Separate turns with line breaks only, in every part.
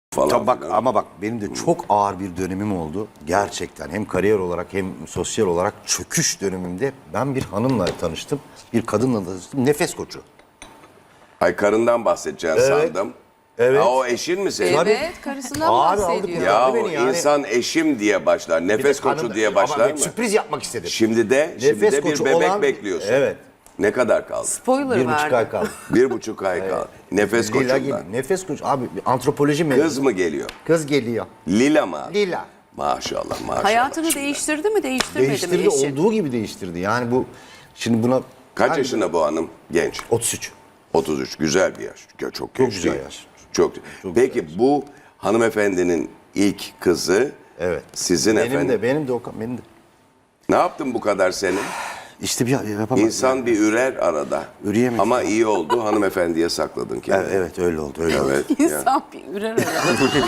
falan.
Tabii bak
filan.
ama bak benim de çok ağır bir dönemim oldu. Gerçekten hem kariyer olarak hem sosyal olarak çöküş dönemimde ben bir hanımla tanıştım. Bir kadınla tanıştım. Nefes koçu.
Ay karından bahsedeceksin
Evet.
sandım.
Evet.
Ha, o eşin mi senin?
Evet, karısından
Abi,
bahsediyor.
aldık
Ya
beni yani.
insan eşim diye başlar, nefes koçu
Hanım-
diye
ama
başlar
bir
mı?
sürpriz yapmak istedim.
Şimdi de
Nefes
bir
koçu
bebek
olan-
bekliyorsun.
Evet.
Ne kadar kaldı?
Spoiler
1,5
verdi.
ay kaldı.
1,5 ay kaldı. Nefes
Lila
koçundan.
geliyor. Nefes koçu. Abi bir antropoloji mezunu.
Kız mı geliyor?
Kız geliyor.
Lila mı?
Lila.
Maşallah maşallah.
Hayatını
Şimdi.
değiştirdi mi, değiştirmedi
Değiştirdi,
mi eşi?
olduğu gibi değiştirdi. Yani bu şimdi buna...
Kaç
Yani
yaşında bu hanım? Genç.
33.
33. Güzel bir yaş. Çok genç
güzel
değil.
yaş.
Çok. Peki bu hanımefendinin ilk kızı
Evet.
sizin efendim.
Benim de Okan, benim de.
Ne yaptın bu kadar senin?
İşte bir yapamadım.
İnsan bir ürer arada.
Üreyemedim.
Ama iyi oldu hanımefendiye sakladın kendini.
Evet öyle oldu, öyle oldu.
Evet. yani.
İnsan bir ürer öyle.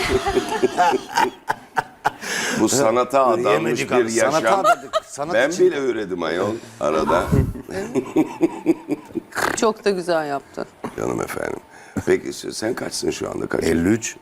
Bu sanata adanmış
Üreyemedik
bir
abi,
yaşam.
sanata adadık, sanat
Ben
için.
bile üredim ayol arada.
Çok da güzel yaptı.
Canım efendim. Peki sen kaçsın şu anda? Kaç?
53.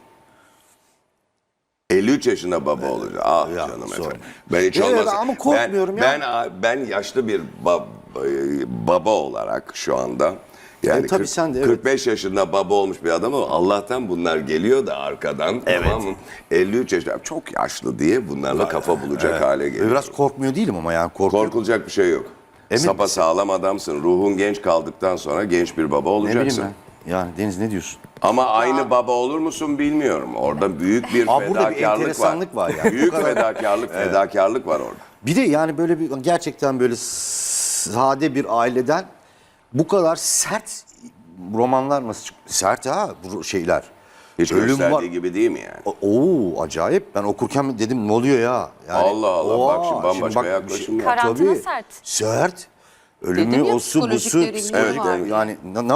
53 yaşında baba olacak. Ah
Ya,
canım
sonra.
efendim. Ben hiç
Evet,
olmazsa.
ama korkmuyorum ya.
Ben yaşlı bir baba olarak şu anda. Yani
tabii sen de, evet.
45 yaşında baba olmuş bir adam ama Allah'tan bunlar geliyor da arkadan. Tamam mı? 53 yaşında çok yaşlı diye bunlarla kafa bulacak hale geliyor.
Biraz korkmuyor değilim ama yani korkuyorum.
Korkulacak bir şey yok.
Emin
Sapa
misin?
sağlam adamsın. Ruhun genç kaldıktan sonra genç bir baba
Ne bileyim
olacaksın.
ben. Yani Deniz ne diyorsun?
Ama aynı baba olur musun bilmiyorum. Orada büyük bir
Burada bir
fedakarlık var.
enteresanlık var yani.
Büyük
Bu kadar-
fedakarlık var orada.
Bir de yani böyle bir gerçekten böyle sade bir aileden bu kadar sert romanlar nasıl çıktı? Sert ha bu şeyler.
Hiç
Ölüm
gösterdiği
var.
gibi değil mi yani?
Oo acayip. Ben okurken dedim ne oluyor ya? Yani,
Allah Allah, bak şimdi bambaşka
şimdi bak,
yaklaşım ya.
Karantina
Tabii,
sert.
Sert. Ölümü,
Dedim ya,
osu, busu,
psikolojik derinliği
psikolojik
var.
derinliği. Yani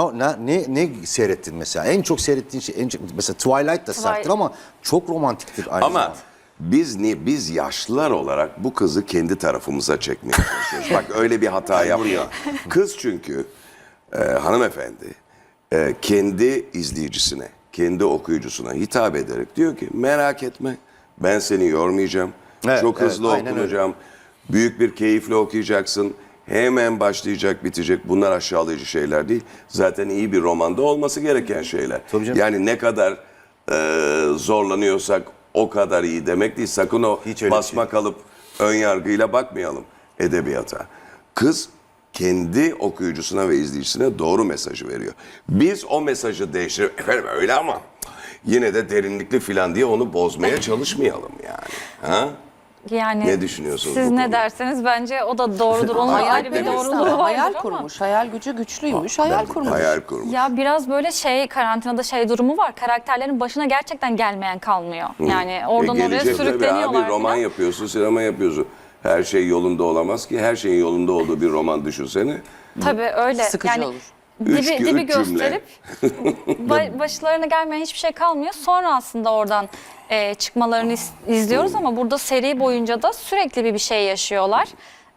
ne seyrettin mesela? En çok seyrettiğin şey, mesela Twilight da serttir ama çok romantiktir aynı
Ama
zamanda.
biz yaşlılar olarak bu kızı kendi tarafımıza çekmeye çalışıyoruz. Bak öyle bir hata yapmıyor. Kız çünkü hanımefendi kendi izleyicisine, kendi okuyucusuna hitap ederek diyor ki merak etme ben seni yormayacağım.
Evet,
Çok hızlı
evet, aynen
okunacağım. Büyük bir keyifle okuyacaksın. Hemen başlayacak, bitecek. Bunlar aşağılayıcı şeyler değil. Zaten iyi bir romanda olması gereken şeyler.
Tabii canım.
Yani ne kadar zorlanıyorsak o kadar iyi demek değil. Sakın o
Hiç öyle
basma kalıp ön yargıyla bakmayalım edebiyata. Kız kendi okuyucusuna ve izleyicisine doğru mesajı veriyor. Biz o mesajı değiştirip efendim öyle ama yine de derinlikli filan diye onu bozmaya çalışmayalım yani. Ha?
Yani
Ne düşünüyorsunuz
siz
bu
ne
konuda?
derseniz bence o da doğrudur. Onun
Hayal
ayrı bir
kurmuş.
doğruluğu vardır
Hayal
ama.
kurmuş. Hayal gücü güçlüymüş. Hayal kurmuş.
Hayal kurmuş.
Ya biraz böyle karantinada durumu var. Karakterlerin başına gerçekten gelmeyen kalmıyor. Yani oradan oraya
Gelecek tabii
sürükleniyorlar.
abi, roman
falan.
yapıyorsun, sinema yapıyorsun. Her şey yolunda olamaz ki. Her şeyin yolunda olduğu bir roman düşünsene.
Tabii öyle.
Sıkıcı
yani
olur.
Üç
dibi
cümle.
gösterip başlarına gelmeyen hiçbir şey kalmıyor. Sonra aslında oradan çıkmalarını izliyoruz ama burada seri boyunca da sürekli bir şey yaşıyorlar.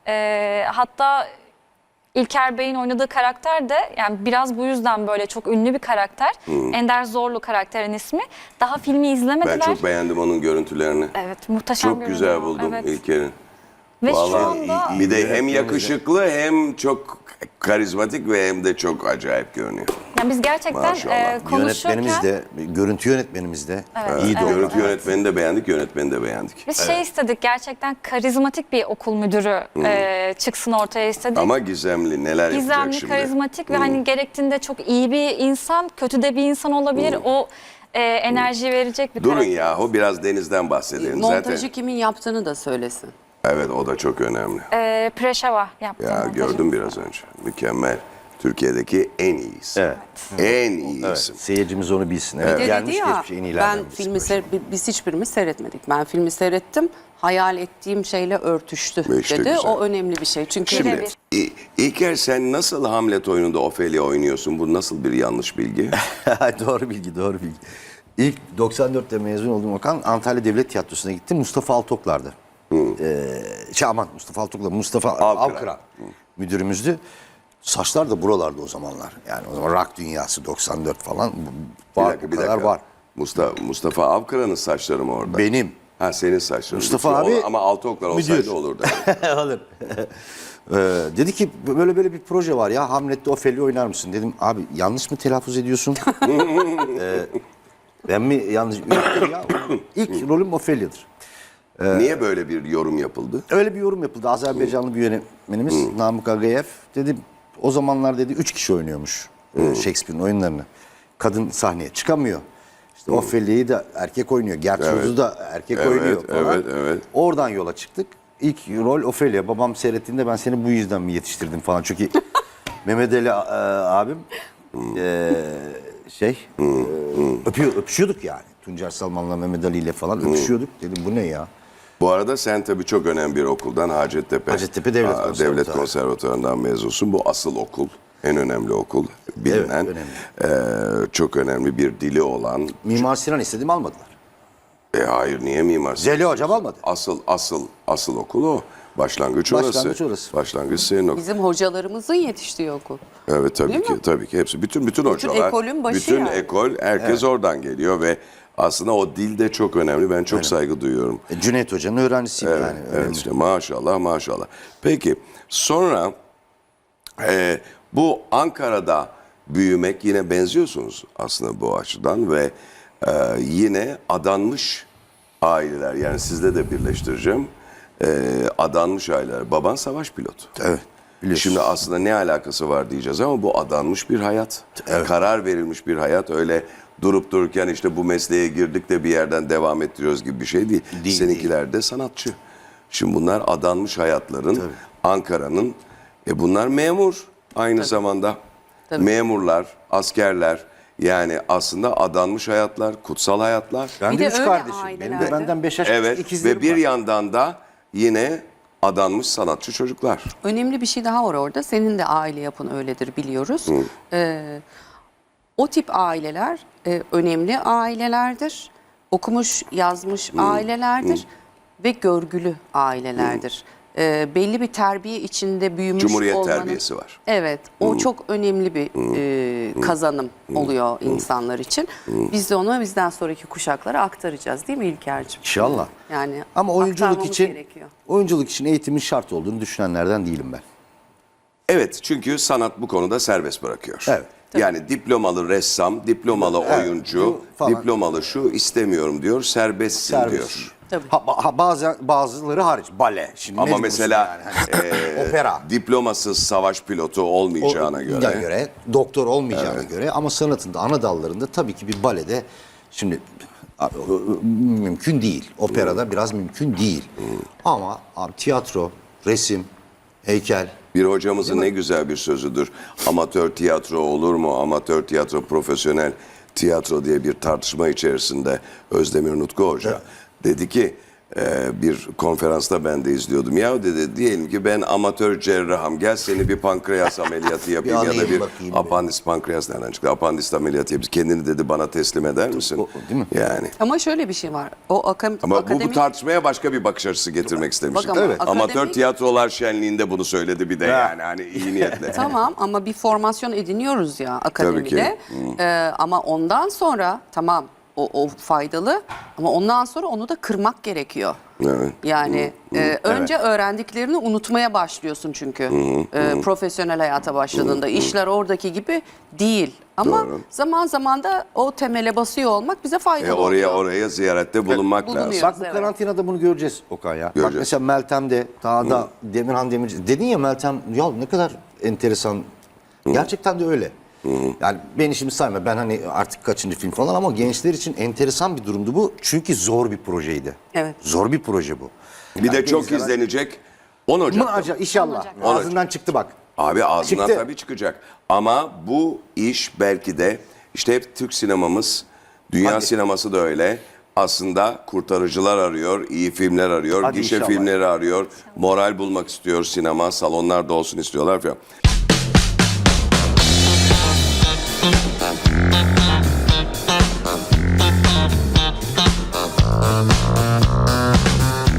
Hatta İlker Bey'in oynadığı karakter de yani biraz bu yüzden böyle çok ünlü bir karakter. Ender Zorlu karakterin ismi. Daha filmi
Ben
izlemediler.
çok beğendim onun görüntülerini.
Evet, muhteşem
Çok güzel
görünüyor.
buldum
Evet.
İlker'in.
Ve şu
Vallahi
anda
bir de hem yakışıklı hem çok karizmatik ve hem de çok acayip görünüyor.
yani biz gerçekten
Maşallah.
konuşurken
Yönetmenimiz de, görüntü yönetmenimiz de iyi de
Görüntü
oynadı.
yönetmeni de beğendik, yönetmeni de beğendik.
biz istedik gerçekten karizmatik bir okul müdürü çıksın ortaya istedik.
Ama gizemli neler yapacak
Gizemli,
şimdi?
karizmatik ve hani gerektiğinde çok iyi bir insan, kötü de bir insan olabilir. O enerjiyi verecek bir
Durun
karakter.
yahu biraz Deniz'den bahsedelim.
Montajı
Zaten
kimin yaptığını da söylesin.
evet o da çok önemli.
Preşeva yaptı.
Ya
montajı.
gördüm biraz önce. Mükemmel. Türkiye'deki en iyisi.
Evet.
En iyisi.
Seyircimiz onu bilsin. Evet.
Bir de
Gelmiş
dedi ya
geçmiş en iyilerden
ben
birisi.
filmi biz hiçbirimiz seyretmedik. Ben filmi seyrettim. Hayal ettiğim şeyle örtüştü
İşte
dedi.
güzel.
O önemli bir şey. Çünkü
Şimdi İlker sen nasıl Hamlet oyununda Ophelia oynuyorsun? Bu nasıl bir yanlış bilgi?
Doğru bilgi, doğru bilgi. İlk 94'te mezun olduğum Okan Antalya Devlet Tiyatrosu'na gittim. Mustafa Altoklar'dı. Mustafa Altoklar, Mustafa Avkıran müdürümüzdü. Saçlar da buralarda o zamanlar. Yani o zaman rock dünyası 94 falan.
Bir
Var,
dakika,
bu
bir
kadar
dakika.
var.
Mustafa Avkıra'nın saçları mı orada?
Benim.
Ha, senin saçların.
Mustafa
Lütfen
abi
ama altı oklar olsaydı
müdür.
olurdu.
Alır. Dedi ki böyle bir proje var ya, Hamlet'te Ofeli oynar mısın? Dedim abi yanlış mı telaffuz ediyorsun? Ben mi yanlış? Yok ya. İlk rolüm Ofelia'dır.
Niye böyle bir yorum yapıldı?
Öyle bir yorum yapıldı. Azerbaycanlı bir yönetmenimiz Namık Agayev dedi, o zamanlar dedi 3 kişi oynuyormuş Shakespeare'in oyunlarını. Kadın sahneye çıkamıyor. İşte Ofelia'yı da erkek oynuyor. Gertrude'u da erkek oynuyor falan.
Evet.
Oradan yola çıktık. İlk rol Ofelia. Babam seyrettiğinde ben seni bu yüzden mi yetiştirdim falan. Çünkü Mehmet Ali abim öpüşüyorduk yani. Tuncer Salman'la Mehmet Ali ile falan öpüşüyorduk. Dedim bu ne ya?
Bu arada sen tabii çok önemli bir okuldan, Hacettepe
Devlet
Konservatuvarı'ndan mezunsun. Bu asıl okul, en önemli okul, bilinen, çok önemli bir dili olan.
Mimar Sinan istedim, almadılar.
Hayır, niye Mimar Sinan?
Zeli hocam almadı.
Asıl okul o. Başlangıç orası. Başlangıç senin okul.
Bizim hocalarımızın yetiştiği okul.
Evet, tabii
Değil
ki,
mi?
tabii ki hepsi. Bütün hocalar.
ekolün başı
bütün
yani.
ekol, herkes oradan geliyor ve aslında o dil de çok önemli. Ben çok saygı duyuyorum.
Cüneyt Hoca'nın öğrencisiyim yani.
Evet, işte maşallah. Peki sonra bu Ankara'da büyümek, yine benziyorsunuz aslında bu açıdan ve yine adanmış aileler, yani sizle de birleştireceğim. Adanmış aileler. Baban savaş pilotu.
Evet. Biliyorsun.
Şimdi aslında ne alakası var diyeceğiz ama bu adanmış bir hayat.
Evet.
Karar verilmiş bir hayat. Öyle durup dururken işte bu mesleğe girdik de bir yerden devam ettiriyoruz gibi bir şey değil. Seninkiler de sanatçı. Şimdi bunlar adanmış hayatların, Ankara'nın, bunlar memur aynı zamanda.
Tabii.
Memurlar, askerler, yani aslında adanmış hayatlar, kutsal hayatlar.
Ben
Bir
de
de
3
öyle
kardeşim. Benim de
ailelerde.
benden 5 yaş
Evet,
ikizlerim
ve bir
var.
yandan da yine adanmış sanatçı çocuklar.
Önemli bir şey daha var orada. Senin de aile yapın öyledir, biliyoruz. O tip aileler önemli ailelerdir. Okumuş, yazmış ailelerdir ve görgülü ailelerdir. Belli bir terbiye içinde büyümüş
Cumhuriyet
olmanın...
terbiyesi var.
Evet, o çok önemli bir kazanım oluyor insanlar için. Biz de onu bizden sonraki kuşaklara aktaracağız, değil mi İlker'cim?
İnşallah.
Yani
Ama oyunculuk
aktarmamız
için
gerekiyor.
eğitimin şart olduğunu düşünenlerden değilim ben.
Evet, çünkü sanat bu konuda serbest bırakıyor.
Evet.
Yani diplomalı ressam, diplomalı oyuncu,
falan.
diplomalı şu istemiyorum diyor, serbestsin
Serbest.
diyor.
Tabii.
Bazıları hariç. Bale. Şimdi
Ama
mecbursun
mesela
yani. Opera.
diplomasız savaş pilotu olmayacağına göre.
Doktor olmayacağına göre, ama sanatın da ana dallarında tabii ki bir balede şimdi mümkün değil. Operada biraz mümkün değil. Ama abi, tiyatro, resim, heykel.
Bir hocamızın ne güzel bir sözüdür. Amatör tiyatro olur mu? Amatör tiyatro, profesyonel tiyatro diye bir tartışma içerisinde Özdemir Nutku Hoca dedi ki, bir konferansta ben de izliyordum. Ya dedi, diyelim ki ben amatör cerrahım. Gel seni bir pankreas ameliyatı yapayım ya da
alayım
bir
bakayım
apandis, pankreas nereden çıktı? Apandis ameliyatı yapayım. Kendini dedi bana teslim eder misin?
Değil mi?
Yani.
Ama şöyle bir şey var. O
Ama
akademik...
bu tartışmaya başka bir bakış açısı getirmek istemiştim.
Bak ama Evet.
Amatör
akademik-
tiyatrolar şenliğinde bunu söyledi bir de, yani hani iyi niyetle.
Tamam, ama bir formasyon ediniyoruz ya akademide.
ki.
Ama ondan sonra tamam, o faydalı, ama ondan sonra onu da kırmak gerekiyor.
Evet.
Yani önce öğrendiklerini unutmaya başlıyorsun çünkü profesyonel hayata başladığında. işler oradaki gibi değil. Ama
Doğru.
zaman zaman da o temele basıyor olmak bize faydalı oluyor.
Oraya ziyarette bulunmak lazım.
bulunuyor.
Bak bu
Evet.
karantinada bunu göreceğiz Okan ya. Bak
Göreceğiz.
mesela Meltem'de, daha da Demirhan Demirci. Dedin ya Meltem, ya ne kadar enteresan. Gerçekten de öyle. Yani beni şimdi sayma, ben hani artık kaçıncı film falan, ama gençler için enteresan bir durumdu bu. Çünkü zor bir projeydi.
Evet.
Zor bir proje bu.
Bir de çok
izlenen-
izlenecek. 10 Ocak.
İnşallah. Ağzından çıktı bak.
Abi ağzından
Çıktı.
tabii çıkacak. Ama bu iş belki de işte hep Türk sinemamız, dünya sineması da öyle. Aslında kurtarıcılar arıyor, iyi filmler arıyor,
Hadi
gişe
inşallah.
filmleri arıyor. Moral bulmak istiyor sinema, salonlarda olsun istiyorlar falan.